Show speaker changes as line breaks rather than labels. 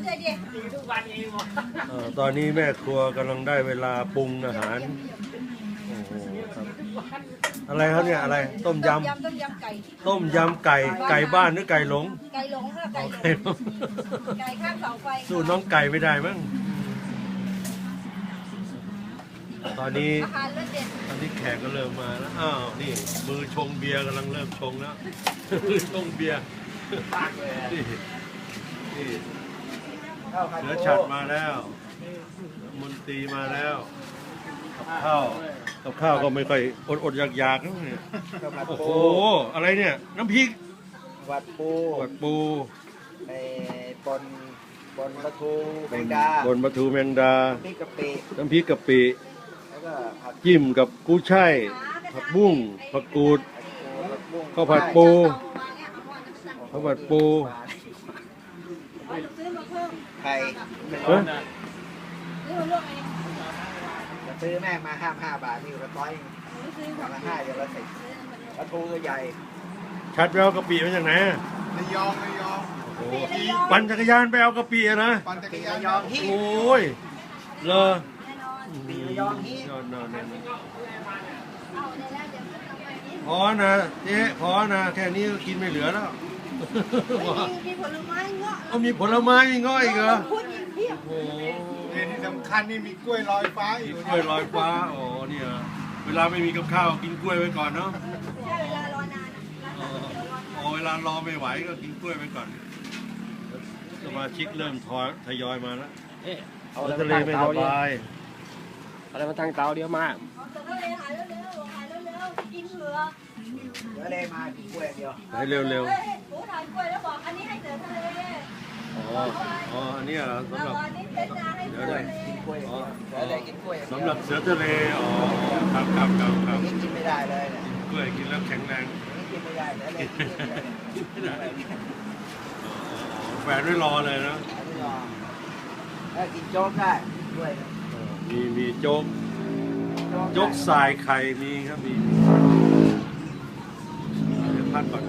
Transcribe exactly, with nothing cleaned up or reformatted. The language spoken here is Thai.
เอ่อตอนนี้แม่ครัวกำลังได้เวลาปรุงอาหารโอ้โหครับอะไรครับเนี่ยอะไรต้มย
ต้มยำต้มยำไก่
ำต้มยำไก่ไก่บ้านหรือไก่หลง
ไก่หลงค่ะไก่หลง
ไก่หลง
ไก่ข้างเสาไฟ
สู้น้องไก่ไม่ได้มั้งตอนนี้
อาหารเลิศเด็ด
ตอนนี้แขกก็เริ่มมาแล้วอ้าวนี่มือชงเบียร์กำลังเริ่มชงแล้ว มือชงเบียร์นี่นี่เสือฉัดมาแล้วมนตรีมาแล้วกับข้าวกับข้าวก็ไม่ค่อยอดอดอยากอยากๆนะเนี่ยโอ้โหอะไรเนี่ยน้ำพริก
วัดปู
กดปู
ไอ้บนบนปลาทูแมงดา
บนปลาทูแมงดา
พริกกะปิ
น้ำพริกกะปิ
แล้วก็ผัด
จิ้มกับกุ้ยช่ายผักบุ้งผักกูด
ผัดบุ้ง
ข้าวผัดปู ข้าวผัดปู
ซื้อมาเพิ่ม
ไข่
เฮ้ย
ซื้อมาลวกเอง
จะซื้อแม่งมาห้าห้าบาทนี่อยู่ละร้อย
หรือซื้อ
อย่างละห้าอย่างละสิบปลาทูตัวใหญ่
ชัดไปเอากะปิมาจากไหนอะ
ระยองระยอง
โอ้โหปั่นจักรยานไปเอากะปิอะนะ
ปั่นจักร
ปี
ยา
ระ
น
ยองฮิ
โอ้ยเลอ
แน่นอน
ปีระยองฮิ
ยอดนอนนอน
เอาในแล้วเดี๋ยวขึ้นเอาไปนี้
พอนะเจ๊พอนะแค่นี้ก็กินไม่เหลือแล้ว
มีมีผลไม้เงาะ
เอามีผลไม้มีง้อยอีกเหรอ
พูดอีกเพียบ
โอ้โห
เนี่ยที่สำคัญนี่มีกล้วยลอยฟ้าอยู่
กล้วยลอยฟ้าอ๋อเนี่ยเวลาไม่มีกับข้าวกินกล้วยไว้ก่อนเนาะ
ใช่เวลารอนาน
อ๋ออ๋อเวลารอไม่ไหวก็กินกล้วยไปก่อนสมาชิกเริ่มทอยทยอยมาแล้ว
เอา
แล้ว
อะไร
ทะเล
มาตั้ง
ไม่ส
เตาดิ
บาย
เอาอะไรมาตั้งเตาเดียวมา
เอาตัวทะเลหายเร็วๆหายเร็วๆกินเผือก
เดี๋ยวเลยมากินกล้วยอย่างเดียว
ให้เร็ว
เฮ้ยหมูถ่ายกล้วยแล้วบอกอันนี้ให้เสือทะเล
ๆอ๋ออ๋ออันนี้เหรอสำหรับ
อันนี้เป็นนาให้เสือทะเล
กินกล้วยอย่างเดียวเดี๋ยวเลยกินกล้วยอย่างเดียว
สำหรับเสือทะเลอ๋อครับครับครับครับ
อย่างนี้กินไม่ได้เลยเนี่ย
กล้วยกินแล้วแข็งแรง
อย่างนี้กินไม่ได้เดี๋ยวเลยกินไม่ได้เลย
ไม่ได้แฝดไว้รอเลยนะ
ไม่ยอมถ้ากินโจ๊กได้กล้วย
มีมีโจ๊ก
โจ๊ก
โจ๊ก
ได้
สายไข่มีครับมีเดี๋ยวพักก่อน